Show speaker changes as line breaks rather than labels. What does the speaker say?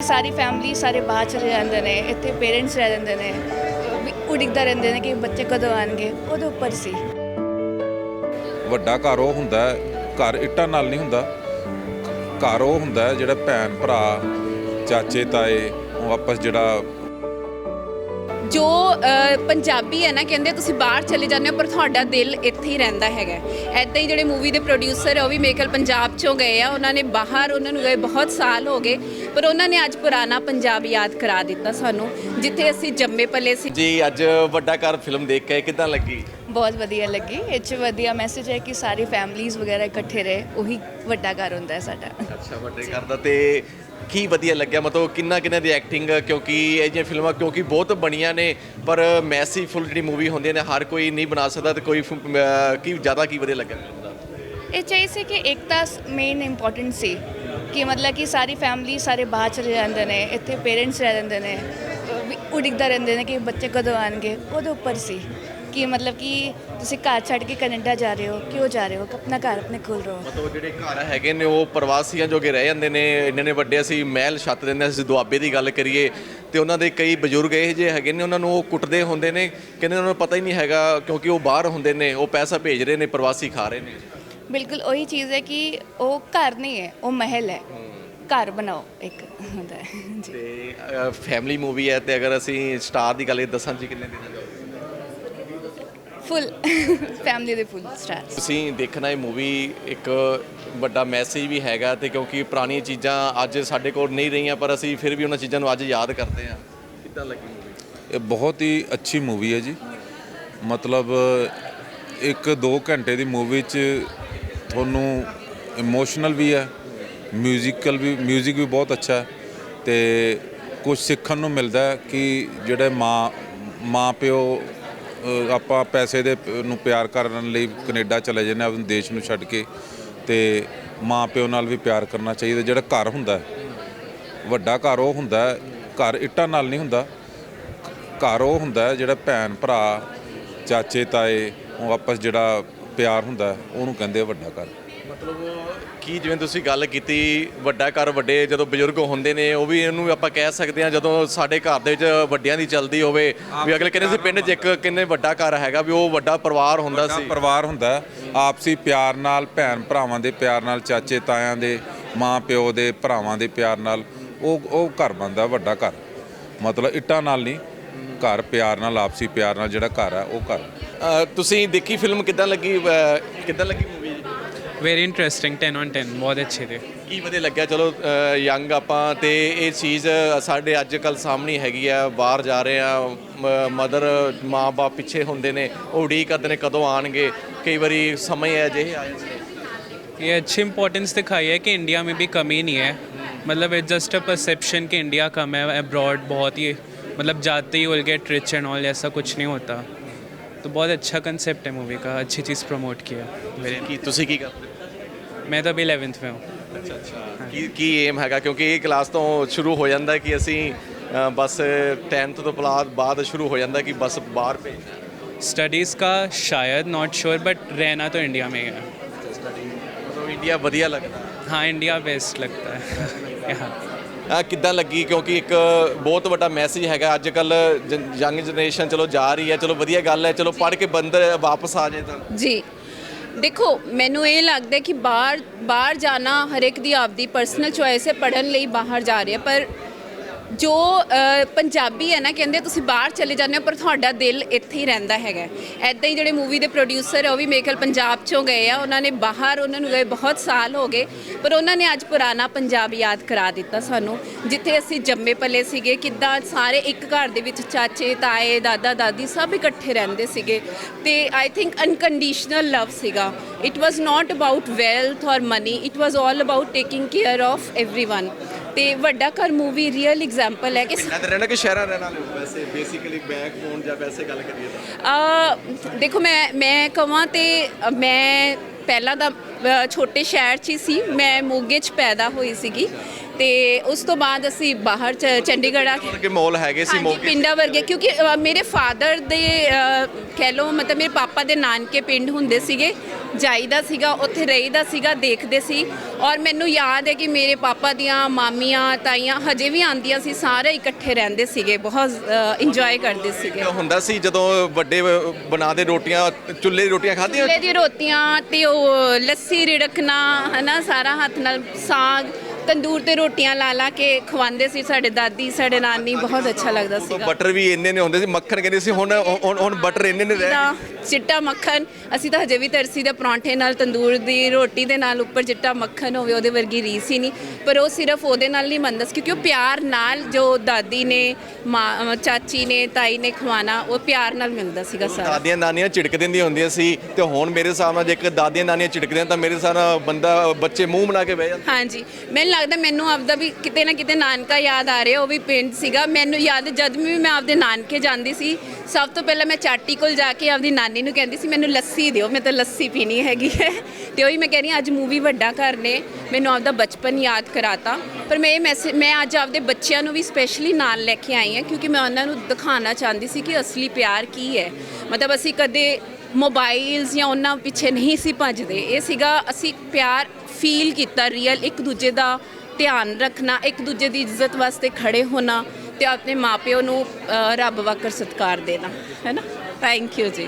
ਸਾਰੀ family ਸਾਰੇ ਬਾਹਰ ਚਲੇ ਜਾਂਦੇ ਨੇ, ਇੱਥੇ ਪੇਰੈਂਟਸ ਰਹਿ ਜਾਂਦੇ ਨੇ, ਉਡੀਕਦਾ ਰਹਿੰਦੇ ਨੇ ਕਿ ਬੱਚੇ ਕਦੋਂ ਆਉਣਗੇ। ਉਹਦੇ ਉੱਪਰ ਸੀ।
ਵੱਡਾ ਘਰ ਉਹ ਹੁੰਦਾ, ਘਰ ਇੱਟਾਂ ਨਾਲ ਨਹੀਂ ਹੁੰਦਾ। ਘਰ ਉਹ ਹੁੰਦਾ ਜਿਹੜਾ ਭੈਣ ਭਰਾ ਚਾਚੇ ਤਾਏ ਉਹ ਆਪਸ ਜਿਹੜਾ
ਜੋ ਪੰਜਾਬੀ ਹੈ ਨਾ, ਕਹਿੰਦੇ ਤੁਸੀਂ ਬਾਹਰ ਚਲੇ ਜਾਂਦੇ ਹੋ ਪਰ ਤੁਹਾਡਾ ਦਿਲ ਇੱਥੇ ਹੀ ਰਹਿੰਦਾ ਹੈਗਾ। ਇੱਦਾਂ ਹੀ ਜਿਹੜੇ ਮੂਵੀ ਦੇ ਪ੍ਰੋਡਿਊਸਰ ਹੈ ਉਹ ਵੀ ਮੇਰੇ ਖਿਆਲ ਪੰਜਾਬ 'ਚੋਂ ਗਏ ਆ। ਉਹਨਾਂ ਨੇ ਬਾਹਰ ਉਹਨਾਂ ਨੂੰ ਗਏ ਬਹੁਤ ਸਾਲ ਹੋ ਗਏ, ਪਰ ਉਹਨਾਂ ਨੇ ਅੱਜ ਪੁਰਾਣਾ ਪੰਜਾਬ ਯਾਦ ਕਰਾ ਦਿੱਤਾ ਸਾਨੂੰ, ਜਿੱਥੇ ਅਸੀਂ ਜੰਮੇ ਪਲੇ ਸੀ।
ਜੀ ਅੱਜ ਵੱਡਾ ਘਰ ਫਿਲਮ ਦੇਖ ਕੇ ਕਿੱਦਾਂ ਲੱਗੀ?
ਬਹੁਤ ਵਧੀਆ ਲੱਗੀ। ਇਹ 'ਚ ਵਧੀਆ ਮੈਸੇਜ ਹੈ ਕਿ ਸਾਰੀ ਫੈਮਲੀਜ਼ ਵਗੈਰਾ ਇਕੱਠੇ ਰਹੇ, ਉਹੀ ਵੱਡਾ ਘਰ ਹੁੰਦਾ ਹੈ ਸਾਡਾ।
ਅੱਛਾ, ਵੱਡੇ ਘਰ ਦਾ। ਤੇ ਕੀ ਵਧੀਆ ਲੱਗਿਆ, ਮਤਲਬ ਕਿੰਨਾ ਦੀ ਐਕਟਿੰਗ, ਕਿਉਂਕਿ ਇਹ ਜਿਹੀਆਂ ਫਿਲਮਾਂ ਕਿਉਂਕਿ ਬਹੁਤ ਬਣੀਆਂ ਨੇ ਪਰ ਮੈਸੀਫੁਲ ਜਿਹੜੀ ਮੂਵੀ ਹੁੰਦੀਆਂ ਨੇ ਹਰ ਕੋਈ ਨਹੀਂ ਬਣਾ ਸਕਦਾ, ਤੇ ਕੋਈ ਕੀ ਜ਼ਿਆਦਾ ਕੀ ਵਧੀਆ ਲੱਗਿਆ ਫਿਲਮ ਦਾ?
ਇਹ ਚਾਹੀਏ ਸੀ ਕਿ ਇੱਕ ਤਾਂ ਮੇਨ ਇੰਪੋਰਟੈਂਟ ਸੀ ਕਿ ਮਤਲਬ ਕਿ ਸਾਰੀ ਫੈਮਿਲੀ ਸਾਰੇ ਬਾਹਰ ਚਲੇ ਜਾਂਦੇ ਨੇ, ਇੱਥੇ ਪੇਰੈਂਟਸ ਰਹਿ ਜਾਂਦੇ ਨੇ, ਉਡੀਕਦਾ ਰਹਿੰਦੇ ਨੇ ਕਿ ਬੱਚੇ ਕਦੋਂ ਆਉਣਗੇ। ਉਹਦੇ ਉੱਪਰ ਸੀ ਕਿ ਮਤਲਬ ਕਿ ਤੁਸੀਂ ਘਰ ਛੱਡ ਕੇ ਕੈਨੇਡਾ ਜਾ ਰਹੇ ਹੋ, ਕਿਉਂ ਜਾ ਰਹੇ ਹੋ? ਆਪਣਾ ਘਰ ਆਪਣੇ ਕੋਲ ਰਹੋ।
ਮਤਲਬ ਜਿਹੜੇ ਘਰ ਹੈਗੇ ਨੇ ਉਹ ਪ੍ਰਵਾਸੀਆਂ ਜੋਗੇ ਰਹਿ ਜਾਂਦੇ ਨੇ। ਇੰਨੇ ਵੱਡੇ ਅਸੀਂ ਮਹਿਲ ਛੱਤ ਦਿੰਦੇ, ਅਸੀਂ ਦੁਆਬੇ ਦੀ ਗੱਲ ਕਰੀਏ ਤੇ ਉਹਨਾਂ ਦੇ ਕਈ ਬਜ਼ੁਰਗ ਇਹ ਜਿਹੇ ਹੈਗੇ ਨੇ, ਉਹਨਾਂ ਨੂੰ ਉਹ ਕੁੱਟਦੇ ਹੁੰਦੇ ਨੇ, ਕਹਿੰਦੇ ਉਹਨਾਂ ਨੂੰ ਪਤਾ ਹੀ ਨਹੀਂ ਹੈਗਾ ਕਿਉਂਕਿ ਉਹ ਬਾਹਰ ਹੁੰਦੇ ਨੇ, ਉਹ ਪੈਸਾ ਭੇਜ ਰਹੇ ਨੇ, ਪ੍ਰਵਾਸੀ ਖਾ ਰਹੇ ਨੇ।
ਬਿਲਕੁਲ ਉਹੀ ਚੀਜ਼ ਹੈ ਕਿ ਉਹ ਘਰ ਨਹੀਂ ਹੈ, ਉਹ ਮਹਿਲ ਹੈ। ਘਰ ਬਣਾਓ ਇੱਕ ਹੁੰਦਾ ਹੈ ਜੀ।
ਤੇ ਫੈਮਿਲੀ ਮੂਵੀ ਹੈ, ਤੇ ਅਗਰ ਅਸੀਂ ਸਟਾਰ ਦੀ ਗੱਲ ਦੱਸਾਂ ਜੀ ਕਿੰਨੇ ਦੇਣਾ ਚਾਹੋਗੇ?
ਫੁੱਲ ਫੈਮਿਲੀ ਦੇ ਫੁੱਲ ਸਟਾਰ।
ਤੁਸੀਂ ਦੇਖਣਾ ਇਹ ਮੂਵੀ ਇੱਕ ਵੱਡਾ ਮੈਸੇਜ ਵੀ ਹੈਗਾ, ਤੇ ਕਿਉਂਕਿ ਪੁਰਾਣੀਆਂ ਚੀਜ਼ਾਂ ਅੱਜ ਸਾਡੇ ਕੋਲ ਨਹੀਂ ਰਹੀਆਂ ਪਰ ਅਸੀਂ ਫਿਰ ਵੀ ਉਹਨਾਂ ਚੀਜ਼ਾਂ ਨੂੰ ਅੱਜ ਯਾਦ ਕਰਦੇ ਹਾਂ। ਕਿੱਦਾਂ ਲੱਗੀ ਮੂਵੀ?
ਇਹ ਬਹੁਤ ਹੀ ਅੱਛੀ ਮੂਵੀ ਹੈ ਜੀ। ਮਤਲਬ 1-2 ਘੰਟੇ ਦੀ ਮੂਵੀ 'ਚ ਤੁਹਾਨੂੰ ਇਮੋਸ਼ਨਲ ਵੀ ਹੈ, ਮਿਊਜ਼ਿਕ ਵੀ ਬਹੁਤ ਅੱਛਾ ਹੈ, ਤੇ ਕੁਝ ਸਿੱਖਣ ਨੂੰ ਮਿਲਦਾ ਕਿ ਜਿਹੜੇ ਮਾਂ ਪਿਓ ਆਪਾਂ ਪੈਸੇ ਦੇ ਨੂੰ ਪਿਆਰ ਕਰਨ ਲਈ ਕੈਨੇਡਾ ਚਲੇ ਜਾਂਦੇ ਆਪਣੇ ਦੇਸ਼ ਨੂੰ ਛੱਡ ਕੇ, ਤੇ ਮਾਂ ਪਿਓ ਨਾਲ ਵੀ ਪਿਆਰ ਕਰਨਾ ਚਾਹੀਦਾ। ਜਿਹੜਾ ਘਰ ਹੁੰਦਾ ਵੱਡਾ ਘਰ ਉਹ ਹੁੰਦਾ, ਘਰ ਇੱਟਾਂ ਨਾਲ ਨਹੀਂ ਹੁੰਦਾ। ਘਰ ਉਹ ਹੁੰਦਾ ਜਿਹੜਾ ਭੈਣ ਭਰਾ ਚਾਚੇ ਤਾਏ ਉਹ ਆਪਸ ਜਿਹੜਾ ਪਿਆਰ ਹੁੰਦਾ ਉਹਨੂੰ ਕਹਿੰਦੇ ਆ ਵੱਡਾ ਘਰ।
ਮਤਲਬ ਕੀ ਜਿਵੇਂ ਤੁਸੀਂ ਗੱਲ ਕੀਤੀ ਵੱਡਾ ਘਰ, ਵੱਡੇ ਜਦੋਂ ਬਜ਼ੁਰਗ ਹੁੰਦੇ ਨੇ ਉਹ ਵੀ ਇਹਨੂੰ ਆਪਾਂ ਕਹਿ ਸਕਦੇ ਹਾਂ, ਜਦੋਂ ਸਾਡੇ ਘਰ ਦੇ ਵਿੱਚ ਵੱਡਿਆਂ ਦੀ ਚੱਲਦੀ ਹੋਵੇ ਵੀ ਅਗਲੇ ਕਹਿੰਦੇ ਸੀ ਪਿੰਡ 'ਚ ਇੱਕ ਕਿੰਨੇ ਵੱਡਾ ਘਰ ਹੈਗਾ, ਵੀ ਉਹ ਵੱਡਾ ਪਰਿਵਾਰ ਹੁੰਦਾ ਸੀ।
ਪਰਿਵਾਰ ਹੁੰਦਾ ਆਪਸੀ ਪਿਆਰ ਨਾਲ, ਭੈਣ ਭਰਾਵਾਂ ਦੇ ਪਿਆਰ ਨਾਲ, ਚਾਚੇ ਤਾਇਆਂ ਦੇ, ਮਾਂ ਪਿਓ ਦੇ, ਭਰਾਵਾਂ ਦੇ ਪਿਆਰ ਨਾਲ ਉਹ ਘਰ ਬਣਦਾ ਵੱਡਾ ਘਰ। ਮਤਲਬ ਇੱਟਾਂ ਨਾਲ ਨਹੀਂ, ਘਰ ਪਿਆਰ ਨਾਲ, ਆਪਸੀ ਪਿਆਰ ਨਾਲ ਜਿਹੜਾ ਘਰ ਹੈ ਉਹ ਘਰ।
ਤੁਸੀਂ ਦੇਖੀ ਫਿਲਮ, ਕਿੱਦਾਂ ਲੱਗੀ ਮੂਵੀ?
वेरी इंटरेस्टिंग 10/10 बहुत अच्छे थे।
ਕੀ ਵਧੀਆ ਲੱਗਿਆ? ਚਲੋ ਯੰਗ ਆਪਾਂ ਤੇ ਇਹ ਚੀਜ਼ ਸਾਡੇ ਅੱਜ ਕੱਲ੍ਹ ਸਾਹਮਣੇ ਹੈਗੀ ਆ, ਬਾਹਰ ਜਾ ਰਹੇ ਆ, ਮਦਰ ਮਾਂ ਬਾਪ ਪਿੱਛੇ ਹੁੰਦੇ ਨੇ, ਉਹ ਉਡੀਕ ਕਰਦੇ ਨੇ ਕਦੋਂ ਆਣਗੇ। ਕਈ ਵਾਰੀ ਸਮੇਂ ਹੈ ਅਜਿਹੇ ਆ ਜਾਂਦੇ ਨੇ।
ये अच्छी इंपॉर्टेंस दिखाई है कि इंडिया में भी कमी नहीं है। मतलब इट्स जस्ट अ परसेप्शन कि इंडिया कम है, अब्रॉड बहुत ही मतलब जाते ही will get rich and all, ऐसा कुछ नहीं होता। तो बहुत अच्छा कंसेप्ट है मूवी का, अच्छी चीज़ प्रमोट किया।
ਕੀ ਤੁਸੀਂ ਕੀ ਕਰਦੇ?
मैं तो अभी 11th में हूँ।
ਅੱਛਾ। ਕੀ ਏਮ ਹੈਗਾ? ਕਿਉਂਕਿ ਇਹ ਕਲਾਸ ਤੋਂ ਸ਼ੁਰੂ ਹੋ ਜਾਂਦਾ ਕਿ ਅਸੀਂ ਬਸ 10th ਤੋਂ ਬਾਅਦ ਸ਼ੁਰੂ ਹੋ ਜਾਂਦਾ ਕਿ ਬਸ ਬਾਹਰ ਭੇਜਣਾ।
स्टडीज़ का शायद नॉट श्योर, बट रहना तो इंडिया में ही है।
ਮਤਲਬ ਇੰਡੀਆ ਵਧੀਆ ਲੱਗਦਾ?
हाँ, इंडिया बेस्ट लगता है यहाँ।
ਕਿੱਦਾਂ ਲੱਗੀ? ਕਿਉਂਕਿ ਇੱਕ ਬਹੁਤ ਵੱਡਾ ਮੈਸੇਜ ਹੈਗਾ ਅੱਜ ਕੱਲ੍ਹ ਯੰਗ ਜਨਰੇਸ਼ਨ ਚਲੋ ਜਾ ਰਹੀ ਹੈ, ਚਲੋ ਵਧੀਆ ਗੱਲ ਹੈ, ਚਲੋ ਪੜ੍ਹ ਕੇ ਬੰਦਰ ਵਾਪਸ ਆ ਜਾਏ ਤਾਂ।
ਜੀ ਦੇਖੋ, ਮੈਨੂੰ ਇਹ ਲੱਗਦਾ ਕਿ ਬਾਹਰ ਜਾਣਾ ਹਰ ਇੱਕ ਦੀ ਆਪਦੀ ਪਰਸਨਲ ਚੋਇਸ ਹੈ, ਪੜ੍ਹਨ ਲਈ ਬਾਹਰ ਜਾ ਰਿਹਾ, ਪਰ ਜੋ ਪੰਜਾਬੀ ਹੈ ਨਾ, ਕਹਿੰਦੇ ਤੁਸੀਂ ਬਾਹਰ ਚਲੇ ਜਾਂਦੇ ਹੋ ਪਰ ਤੁਹਾਡਾ ਦਿਲ ਇੱਥੇ ਹੀ ਰਹਿੰਦਾ ਹੈਗਾ। ਇੱਦਾਂ ਹੀ ਜਿਹੜੇ ਮੂਵੀ ਦੇ ਪ੍ਰੋਡਿਊਸਰ ਹੈ ਉਹ ਵੀ ਮੇਰੇ ਖਿਆਲ ਪੰਜਾਬ 'ਚੋਂ ਗਏ ਆ। ਉਹਨਾਂ ਨੇ ਬਾਹਰ ਉਹਨਾਂ ਨੂੰ ਗਏ ਬਹੁਤ ਸਾਲ ਹੋ ਗਏ, ਪਰ ਉਹਨਾਂ ਨੇ ਅੱਜ ਪੁਰਾਣਾ ਪੰਜਾਬ ਯਾਦ ਕਰਾ ਦਿੱਤਾ ਸਾਨੂੰ, ਜਿੱਥੇ ਅਸੀਂ ਜੰਮੇ ਪਲੇ ਸੀਗੇ, ਕਿੱਦਾਂ ਸਾਰੇ ਇੱਕ ਘਰ ਦੇ ਵਿੱਚ ਚਾਚੇ ਤਾਏ ਦਾਦਾ ਦਾਦੀ ਸਭ ਇਕੱਠੇ ਰਹਿੰਦੇ ਸੀਗੇ। ਤੇ ਆਈ ਥਿੰਕ ਅਨਕੰਡੀਸ਼ਨਲ ਲਵ ਸੀਗਾ। It was not about wealth ਔਰ money, it was all about taking care of everyone. ਤੇ ਵੱਡਾ ਘਰ ਮੂਵੀ ਰੀਅਲ ਐਗਜ਼ਾਮਪਲ ਹੈ ਕਿ
ਪਿੰਡਾਂ 'ਚ ਰਹਿਣਾ ਕਿ ਸ਼ਹਿਰਾਂ ਰਹਿਣ ਵਾਲੇ ਹੋ? ਵੈਸੇ ਬੇਸਿਕਲੀ ਬੈਕਬੋਨ ਜਾਂ ਵੈਸੇ ਗੱਲ ਕਰੀਏ ਤਾਂ
ਦੇਖੋ, ਮੈਂ ਕਹਾਂ ਤੇ ਮੈਂ ਪਹਿਲਾਂ ਤਾਂ ਛੋਟੇ ਸ਼ਹਿਰ 'ਚ ਹੀ ਸੀ। ਮੈਂ ਮੋਗੇ 'ਚ ਪੈਦਾ ਹੋਈ ਸੀਗੀ ਤੇ ਉਸ ਤੋਂ ਬਾਅਦ ਅਸੀਂ ਬਾਹਰ ਚੰਡੀਗੜ੍ਹ ਆ ਕੇ
ਕਿ ਮਾਹੌਲ ਹੈਗੇ ਸੀ
ਹਾਂਜੀ,
ਮੌਕੇ
ਪਿੰਡਾਂ ਵਰਗੇ ਕਿਉਂਕਿ ਮੇਰੇ ਫਾਦਰ ਦੇ ਕਹਿ ਲਓ ਮਤਲਬ ਮੇਰੇ ਪਾਪਾ ਦੇ ਨਾਨਕੇ ਪਿੰਡ ਹੁੰਦੇ ਸੀਗੇ, ਜਾਈਦਾ ਸੀਗਾ ਉੱਥੇ ਰਹੀਦਾ ਸੀਗਾ, ਦੇਖਦੇ ਸੀ। ਔਰ ਮੈਨੂੰ ਯਾਦ ਹੈ ਕਿ ਮੇਰੇ ਪਾਪਾ ਦੀਆਂ ਮਾਮੀਆਂ ਤਾਈਆਂ ਹਜੇ ਵੀ ਆਉਂਦੀਆਂ ਸੀ, ਸਾਰੇ ਇਕੱਠੇ ਰਹਿੰਦੇ ਸੀਗੇ, ਬਹੁਤ ਇੰਜੋਏ ਕਰਦੇ ਸੀਗੇ।
ਹੁੰਦਾ ਸੀ ਜਦੋਂ ਵੱਡੇ ਬਣਾਦੇ ਰੋਟੀਆਂ, ਚੁੱਲ੍ਹੇ ਦੀ ਰੋਟੀਆਂ ਖਾਧੀਆਂ?
ਚੁੱਲ੍ਹੇ ਦੀ ਰੋਟੀਆਂ ਤੇ ਉਹ ਲੱਸੀ ਰਿੜਕਣਾ ਹਨਾ, ਸਾਰਾ ਹੱਥ ਨਾਲ ਸਾਗ, ਤੰਦੂਰ ਤੇ ਰੋਟੀਆਂ ਲਾ ਲਾ ਕੇ ਖਵਾਉਂਦੇ ਸੀ ਸਾਡੇ ਦਾਦੀ ਸਾਡੇ ਨਾਨੀ, ਬਹੁਤ ਅੱਛਾ ਲੱਗਦਾ ਸੀਗਾ।
ਬਟਰ ਵੀ ਇੰਨੇ ਨੇ ਹੁੰਦੇ ਸੀ, ਮੱਖਣ ਕਹਿੰਦੇ ਸੀ, ਹੁਣ ਬਟਰ ਇੰਨੇ ਨੇ ਰਹਿ
ਤਾਂ ਚਿੱਟਾ ਮੱਖਣ ਅਸੀਂ ਤਾਂ ਹਜੇ ਵੀ ਤਰਸੀ ਦੇ ਪਰੌਂਠੇ ਨਾਲ, ਤੰਦੂਰ ਦੀ ਰੋਟੀ ਦੇ ਨਾਲ ਉੱਪਰ ਚਿੱਟਾ ਮੱਖਣ ਹੋਵੇ, ਉਹਦੇ ਵਰਗੀ ਰੀਸ ਹੀ ਨਹੀਂ। ਪਰ ਉਹ ਸਿਰਫ ਉਹਦੇ ਨਾਲ ਨਹੀਂ ਬਣਦਾ ਸੀ, ਕਿਉਂਕਿ ਉਹ ਪਿਆਰ ਨਾਲ ਜੋ ਦਾਦੀ ਨੇ ਚਾਚੀ ਨੇ ਤਾਈ ਨੇ ਖਵਾਣਾ, ਉਹ ਪਿਆਰ ਨਾਲ ਮਿਲਦਾ ਸੀਗਾ ਸਾਰਾ।
ਦਾਦੀਆਂ ਨਾਨੀਆਂ ਝਿੜਕ ਦਿੰਦੀਆਂ ਹੁੰਦੀਆਂ ਸੀ, ਤੇ ਹੁਣ ਮੇਰੇ ਹਿਸਾਬ ਨਾਲ ਜੇਕਰ ਦਾਦੀਆਂ ਨਾਨੀਆਂ ਝਿੜਕਦੀਆਂ ਤਾਂ ਮੇਰੇ ਹਿਸਾਬ ਨਾਲ ਬੰਦਾ ਬੱਚੇ ਮੂੰਹ ਬਣਾ ਕੇ ਬਹਿ ਜਾਂਦੇ।
ਹਾਂਜੀ, ਮੈਨੂੰ ਲੱਗਦਾ ਮੈਨੂੰ ਆਪਦਾ ਵੀ ਕਿਤੇ ਨਾ ਕਿਤੇ ਨਾਨਕਾ ਯਾਦ ਆ ਰਿਹਾ, ਉਹ ਵੀ ਪਿੰਡ ਸੀਗਾ। ਮੈਨੂੰ ਯਾਦ ਜਦ ਵੀ ਮੈਂ ਆਪਦੇ ਨਾਨਕੇ ਜਾਂਦੀ ਸੀ, ਸਭ ਤੋਂ ਪਹਿਲਾਂ ਮੈਂ ਚਾਟੀ ਕੋਲ ਜਾ ਕੇ ਆਪਦੀ ਨਾਨੀ ਨੂੰ ਕਹਿੰਦੀ ਸੀ ਮੈਨੂੰ ਲੱਸੀ ਦਿਓ, ਮੈਂ ਤਾਂ ਲੱਸੀ ਪੀਣੀ ਹੈਗੀ ਹੈ। ਤੇ ਉਹੀ ਮੈਂ ਕਹਿ ਰਹੀ ਹਾਂ, ਅੱਜ ਮੂਵੀ ਵੱਡਾ ਘਰ ਨੇ ਮੈਨੂੰ ਆਪਦਾ ਬਚਪਨ ਯਾਦ ਕਰਾਤਾ। ਪਰ ਮੈਂ ਇਹ ਮੈਸੇਜ ਮੈਂ ਅੱਜ ਆਪਦੇ ਬੱਚਿਆਂ ਨੂੰ ਵੀ ਸਪੈਸ਼ਲੀ ਨਾਲ ਲੈ ਕੇ ਆਈ ਹਾਂ, ਕਿਉਂਕਿ ਮੈਂ ਉਹਨਾਂ ਨੂੰ ਦਿਖਾਉਣਾ ਚਾਹੁੰਦੀ ਸੀ ਕਿ ਅਸਲੀ ਪਿਆਰ ਕੀ ਹੈ। ਮਤਲਬ ਅਸੀਂ ਕਦੇ ਮੋਬਾਈਲਸ ਜਾਂ ਉਹਨਾਂ ਪਿੱਛੇ ਨਹੀਂ ਸੀ ਭੱਜਦੇ, ਇਹ ਸੀਗਾ ਅਸੀਂ ਪਿਆਰ ਫੀਲ ਕੀਤਾ ਰੀਅਲ, ਇੱਕ ਦੂਜੇ ਦਾ ਧਿਆਨ ਰੱਖਣਾ, ਇੱਕ ਦੂਜੇ ਦੀ ਇੱਜ਼ਤ ਵਾਸਤੇ ਖੜੇ ਹੋਣਾ ਤੇ ਆਪਣੇ ਮਾਪਿਓ ਨੂੰ ਰੱਬ ਵਾਕਰ ਸਤਿਕਾਰ ਦੇਣਾ, ਹੈ ਨਾ। ਥੈਂਕ ਯੂ ਜੀ।